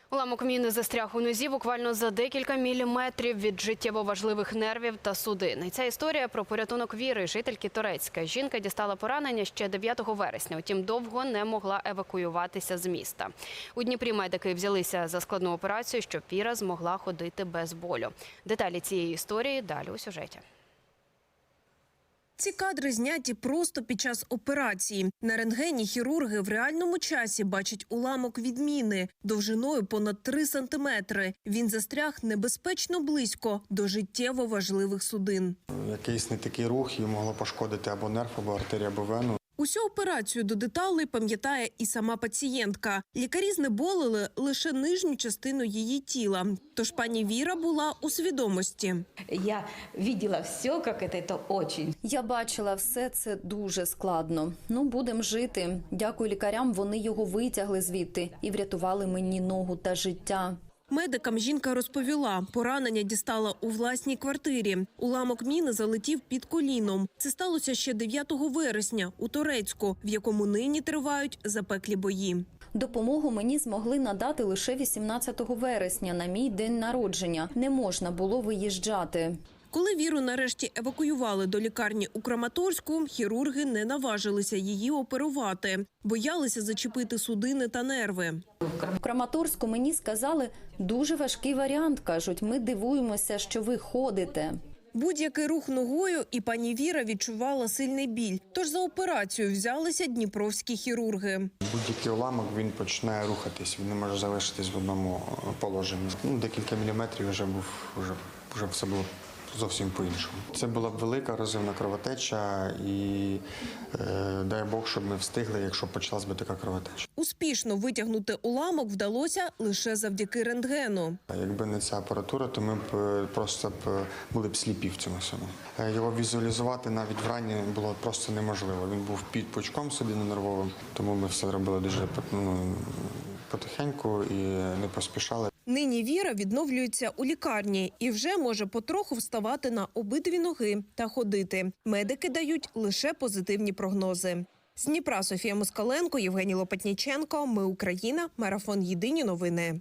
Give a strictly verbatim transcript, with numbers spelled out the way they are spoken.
Уламок міни застряг у нозі буквально за декілька міліметрів від життєво важливих нервів та судин. І ця історія про порятунок Віри, жительки Торецька. Жінка дістала поранення ще дев'ятого вересня, утім довго не могла евакуюватися з міста. У Дніпрі медики взялися за складну операцію, щоб Віра змогла ходити без болю. Деталі цієї історії далі у сюжеті. Ці кадри зняті просто під час операції. На рентгені хірурги в реальному часі бачать уламок від міни довжиною понад три сантиметри. Він застряг небезпечно близько до життєво важливих судин. Якийсь не такий рух, її могло пошкодити або нерв, або артерію, або вену. Усю операцію до деталей пам'ятає і сама пацієнтка. Лікарі знеболили лише нижню частину її тіла. Тож пані Віра була у свідомості. Я бачила все, як це, це дуже. Я бачила все, це дуже складно. Ну, будемо жити. Дякую лікарям, вони його витягли звідти і врятували мені ногу та життя. Медикам жінка розповіла, поранення дістала у власній квартирі. Уламок міни залетів під коліном. Це сталося ще дев'ятого вересня у Торецьку, в якому нині тривають запеклі бої. Допомогу мені змогли надати лише вісімнадцятого вересня, на мій день народження. Не можна було виїжджати. Коли Віру нарешті евакуювали до лікарні у Краматорську, хірурги не наважилися її оперувати. Боялися зачепити судини та нерви. В Краматорську мені сказали, дуже важкий варіант, кажуть, ми дивуємося, що ви ходите. Будь-який рух ногою і пані Віра відчувала сильний біль. Тож за операцію взялися дніпровські хірурги. Будь-який уламок, він починає рухатись, він не може залишитись в одному положенні. Ну, декілька міліметрів вже був, вже, вже все було зовсім по-іншому. Це була б велика розривна кровотеча і е, дай Бог, щоб ми встигли, якщо почалась би така кровотеча. Успішно витягнути уламок вдалося лише завдяки рентгену. Якби не ця апаратура, то ми б е, просто б були б сліпі в цьому всьому. Е, Його візуалізувати навіть вранні було просто неможливо. Він був під пучком судинно-нервовим, тому ми все робили дуже ну, потихеньку і не поспішали. Нині Віра відновлюється у лікарні і вже може потроху вставати на обидві ноги та ходити. Медики дають лише позитивні прогнози. З Дніпра Софія Москаленко, Євгеній Лопатніченко. Ми Україна. Марафон. Єдині новини.